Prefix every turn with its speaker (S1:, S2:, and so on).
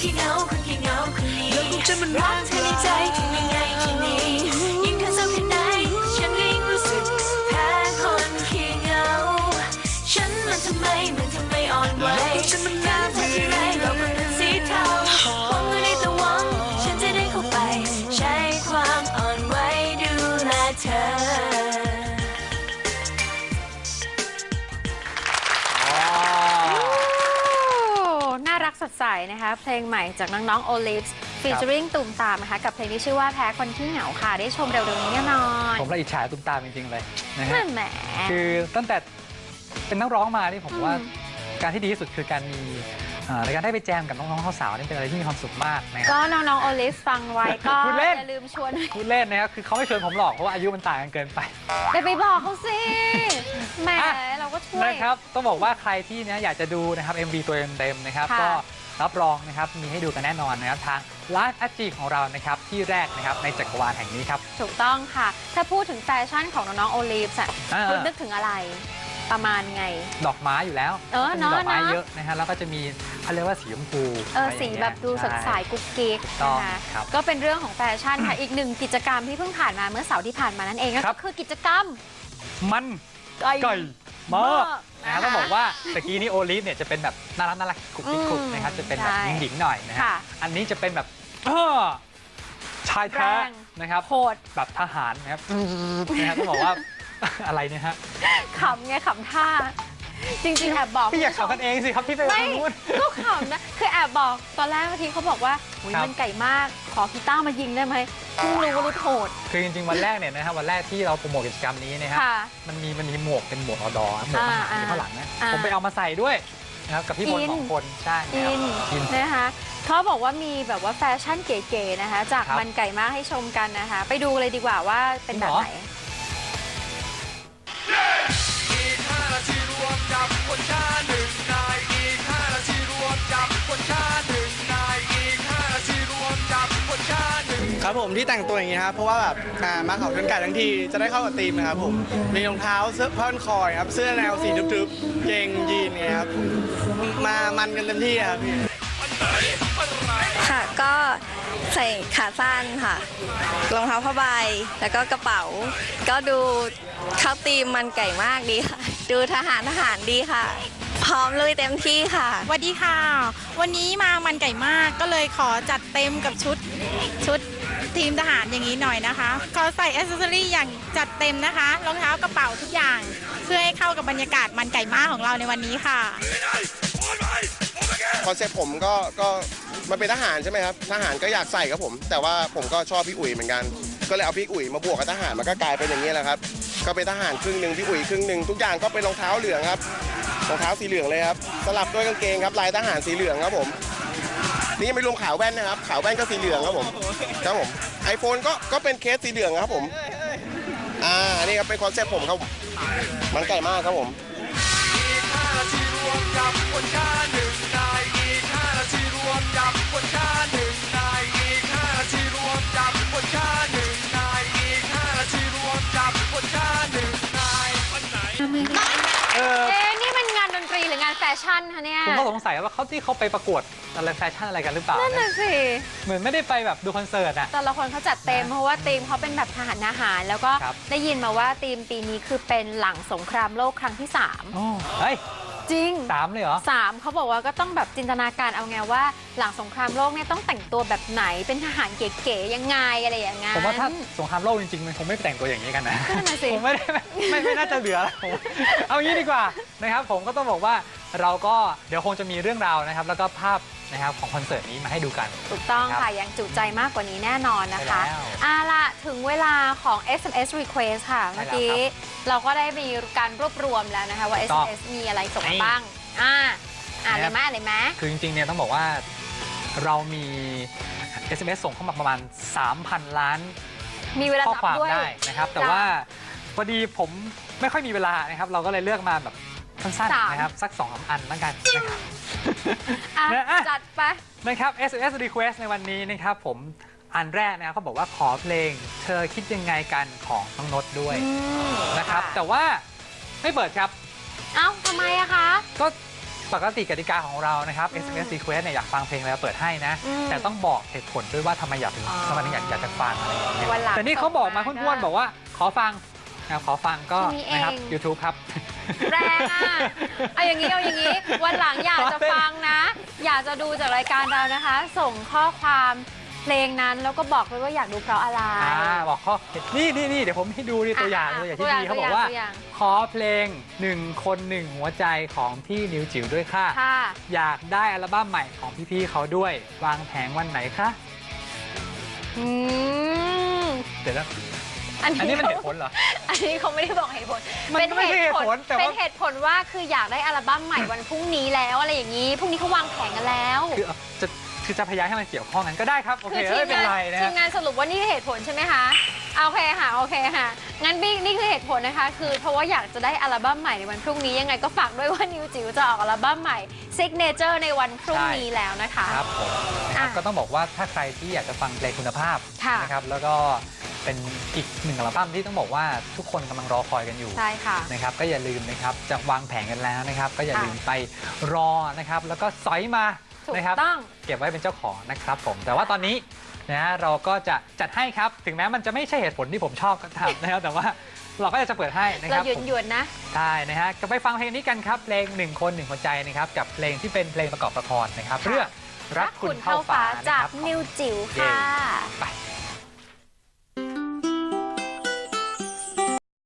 S1: ขี้เหงาคนขี้เหงาคนนี้รักเธอในใจทำยังไงทีนี้ยิ่งเธอเศร้าแค่ไหนฉันก็ยิ่งรู้สึกแพ้คนขี้เหงาฉันมันทำไมอ่อนไหวฉันมันงามเธอที่ไรเราก็เป็นสีเทาหวังก็ได้แต่หวังฉันจะได้เข้าไปใช้ความอ่อนไหวดูแลเธอ
S2: น่ารักสดใสนะคะเพลงใหม่จากน้องๆ Olives featuring ตูมตามนะคะกับเพลงที่ชื่อว่าแพ้คนที่เหงาค่ะได้ชมเร็วๆนี้แน่นอน
S3: ผมละอิจฉาตูมตามจริงๆเลยนะฮะ
S2: แหม
S3: คือตั้งแต่เป็นนักร้องมานี่ผมว่าการที่ดีที่สุดคือการมีในการได้ไปแจมกับน้องๆสาวนี่เป็นอะไรที่มีความสุขมากนะครับ
S2: ก็น้องๆ Olives ฟังไว้ก็อย่าลืมชวน
S3: พูดเล่นนะครับคือเขาไม่ชวนผมหรอกเพราะว่าอายุมันต่างกันเกินไป
S2: ไปบอกเขาสิแหมเราก็ช่วย
S3: นะครับต้องบอกว่าใครที่อยากจะดูนะครับ MV ตัวเต็มๆนะครับก็รับรองนะครับมีให้ดูกันแน่นอนนะครับทางไลฟ์ IG ของเรานะครับที่แรกนะครับในจักรวาลแห่งนี้ครับ
S2: ถูกต้องค่ะถ้าพูดถึงแฟชั่นของน้องๆ Olives คุณนึกถึงอะไรประมาณไง
S3: ดอกไม้อยู่แล้วมีดอกไม้เยอะนะฮะแล้วก็จะมีเขาเรียกว่าสีชมพู
S2: สีแบบดูสดใสกุ๊กกิ๊กนะคะก็เป็นเรื่องของแฟชั่นค่ะอีกหนึ่งกิจกรรมที่เพิ่งผ่านมาเมื่อเสาร์ที่ผ่านมานั่นเองก็คือกิจกรรม
S3: มันไก่มากนะต้องบอกว่าตะกี้นี้โอลิฟเนี่ยจะเป็นแบบน่ารักกุ๊กกิ๊กนะครับจะเป็นแบบหญิงๆหน่อยนะฮะอันนี้จะเป็นแบบชายแท้นะครับ
S2: โหด
S3: แบบทหารนะครับต้องบอกว่าอะไรเนี่ยฮะ
S2: ขำไงขำท่าจริงๆแอบบอก
S3: พี่อยากขำกันเองสิครับพี่ไป
S2: ไม่ก็ขำนะคือแอบบอกตอนแรกเมื่อกี้เขาบอกว่ามันไก่มากขอกีตาร์มายิงได้ไหมเพิ่งรู้ว่ารู้โหด
S3: คือจริงๆวันแรกเนี่ยนะครับวันแรกที่เราโปรโมทกิจกรรมนี้นะครับมันมีหมวกเป็นหมวกอดอหมวกมันอยู่ข้างหลังนะผมไปเอามาใส่ด้วยนะครับกับพี่บอล2 คนใช่
S2: อินนะคะเขาบอกว่ามีแบบว่าแฟชั่นเก๋ๆนะคะจากมันไก่มากให้ชมกันนะคะไปดูเลยดีกว่าว่าเป็นแบบไหน
S1: อีก5 นาทีรวมจับคนฆ่า1 นายอีก5 นาทีรวมจับคนฆ่า1 นายอีก5 นาทีรวมจับคนฆ่า1
S4: ครับผมที่แต่งตัวอย่างนี้ครับเพราะว่าแบบมาเขาชนไก่ทั้งทีจะได้เข้ากับธีมนะครับผมมีรองเท้าเสื้อผ้าพันคอครับเสื้อแนวสีทึบๆเกงยีนไงครับมามันกันเต็มที่ครับพี่
S5: ค่ะก็ใส่ขาสั้นค่ะรองเท้าผ้าใบแล้วก็กระเป๋าก็ดูเข้าธีมมันไก่มากดีค่ะดูทหารดีค่ะพร้อมลุยเต็มที่ค่ะ
S6: สวัสดีค่ะวันนี้มามันไก่มากก็เลยขอจัดเต็มกับชุดทีมทหารอย่างนี้หน่อยนะคะขอใส่แอคเซสซอรี่อย่างจัดเต็มนะคะรองเท้ากระเป๋าทุกอย่างเพื่อให้เข้ากับบรรยากาศมันไก่มากของเราในวันนี้ค่ะ
S7: คอนเซ็ปต์ผมก็มันเป็นทหารใช่ไหมครับทหารก็อยากใส่ครับผมแต่ว่าผมก็ชอบพี่อุ๋ยเหมือนกันก็เลยเอาพี่อุ๋ยมาบวกกับทหารมันก็กลายเป็นอย่างนี้แหละครับก็เป็นทหารครึ่งหนึ่งพี่อุ๋ยครึ่งหนึ่งทุกอย่างก็เป็นรองเท้าเหลืองครับรองเท้าสีเหลืองเลยครับสลับด้วยกางเกงครับลายทหารสีเหลืองครับผมนี่ยังไม่รวมขาวแว่นนะครับขาวแว่นก็สีเหลืองครับผมไอโฟนก็เป็นเคสสีเหลืองครับผมอันนี้ครับเป็นคอนเซ็ปต์ผมครับมันไก่มากครับผมอีก5 นาทีรวมจับคนฆ่า1 นายอีก5 นาทีรวมจับคนฆ่า1 นายอีก5 นาทีรวมจับคนฆ่า1 นายอีก5 นาทีรวมจับคนฆ่า1 นาย
S2: นี่มันงานดนตรีหรืองานแฟชั่นคะเนี่ย
S3: ผมก็สงสัยว่าที่เขาไปประกวดอะไรแฟชั่นอะไรกันหรือเปล่า
S2: นั่นน่ะสิ
S3: เหมือนไม่ได้ไปแบบดูคอนเสิร์ตอะ
S2: แต่ละคนเขาจัดเต็มเพราะว่าธีมเขาเป็นแบบทหารแล้วก็ได้ยินมาว่าธีมปีนี้คือเป็นหลังสงครามโลกครั้งที่3
S3: เฮ้ย
S2: จริง
S3: 3เลยเหรอ
S2: 3เขาบอกว่าก็ต้องแบบจินตนาการเอาไงว่าหลังสงครามโลกเนี่ยต้องแต่งตัวแบบไหนเป็นทหารเก๋ๆยังไงอะไรอย่างเงี้ย
S3: ผมว่าถ้าสงครามโลกจริงๆมันคงไม่แต่งตัวอย่างนี้กันนะผมไม่น่าจะเหลือเอางี้ดีกว่านะครับผมก็ต้องบอกว่าเราก็เดี๋ยวคงจะมีเรื่องราวนะครับแล้วก็ภาพนะครับของคอนเสิร์ตนี้มาให้ดูกัน
S2: ถูกต้องค่ะยังจุใจมากกว่านี้แน่นอนนะคะล่ะถึงเวลาของ SMS Request ค่ะเมื่อกี้เราก็ได้มีการรวบรวมแล้วนะคะว่า SMS มีอะไรส่งมาบ้างอะไรไหม
S3: คือจริงๆเนี่ยต้องบอกว่าเรามี SMS ส่งเข้ามาประมาณ 3,000 ล้าน
S2: มีเวลา
S3: ข้อความ
S2: ด้วย
S3: ได้นะครับแต่ว่าพอดีผมไม่ค่อยมีเวลานะครับเราก็เลยเลือกมาแบบสั้นๆนะครับสัก 2-3 อันแล้วกันนะครับ
S2: จัดไป
S3: นะครับ SMS Request ในวันนี้นะครับผมอันแรกนะครับเขาบอกว่าขอเพลงเธอคิดยังไงกันของน้องนดด้วยนะครับแต่ว่าไม่เปิดครับ
S2: เอ้าทำไมอะคะ
S3: ก็ปกติกติกาของเรานะครับ SMS Request เนี่ยอยากฟังเพลงแล้วเปิดให้นะ แต่ต้องบอกเหตุผลด้วยว่าทำไมถึงอยากจะฟังอะไรอย่างเงี้ย
S2: วันหลัง
S3: แต่นี่เขาบอกมาพ้วนๆบอกว่าขอฟังนะครับขอฟังก็
S2: แค่นี้เอง
S3: นะครับ YouTube ครับ
S2: แรงอ่ะ เอาอย่างนี้วันหลังอยากจะฟังนะ อยากจะดูจากรายการเรานะคะ ส่งข้อความเพลงนั้นแล้วก็บอกเลยว่าอยากดูเพราะอะไร
S3: บอกข้อนี่เดี๋ยวผมให้ดูตัวอย่างที่ดีเขาบอกว่า
S2: ตัวอย่าง
S3: ขอเพลง1 คน 1 หัวใจของพี่นิวจิ๋วด้วยค่ะ
S2: ค่ะ
S3: อยากได้อัลบั้มใหม่ของพี่ๆเขาด้วยวางแผงวันไหนคะ เดี๋ยวนะอันนี้มันเหตุผลเหรอ
S2: อันนี้เขาไม่ได้บอกเหตุผล
S3: มันก็ไม่ใช่เหตุผลแต่ว่า
S2: เป็นเหตุผลว่าคืออยากได้อัลบั้มใหม่วันพรุ่งนี้แล้วอะไรอย่างนี้พรุ่งนี้เขาวางแผนกันแล้ว
S3: คือจะพยายามให้มันเกี่ยวข้องกันก็ได้ครับ โอเค
S2: คือ
S3: ไม่เป็นไรนะ
S2: ทีมงานสรุปว่านี่คือเหตุผลใช่ไหมคะโอเคค่ะงั้นนี่คือเหตุผลนะคะคือเพราะว่าอยากจะได้อัลบั้มใหม่ในวันพรุ่งนี้ยังไงก็ฝากด้วยว่านิวจิ๋วจะออกอัลบั้มใหม่ Signature ในวันพรุ่งนี้แล้วนะคะ
S3: ครับผมนะครับก็ต้องบอกว่าถ้าใครที่อยากจะฟังเพลงคุณภาพ
S2: ค่ะ
S3: นะครับแล้วก็เป็นอีก1อัลบั้มที่ต้องบอกว่าทุกคนกำลังรอคอยกันอยู่
S2: ใช่ค่ะ
S3: นะครับก็อย่าลืมนะครับจะวางแผนกันแล้วนะครับก็อย่าลืมไปรอนะครับแล้วก็สอยมา
S2: ถูก
S3: นะครับ
S2: ต้อง
S3: เก็บไว้เป็นเจ้าของนะครับผมแต่ว่าตอนนี้นะเราก็จะจัดให้ครับถึงแม้มันจะไม่ใช่เหตุผลที่ผมชอบก็ตามนะครับแต่ว่าเราก็จะเปิดให้นะค
S2: เรา
S3: รับ
S2: หยวนๆนะ
S3: ใช่นะฮะก็ไปฟังเพลงนี้กันครับเพลง1 คน 1 หัวใจนะครับกับเพลงที่เป็นเพลงประกอบละครนะครับเรื่องรักคุณเท่าฟ้า
S2: จาก
S3: นะครับ
S2: นิวจิ๋ว
S3: เย้
S2: ค่ะ
S3: ไป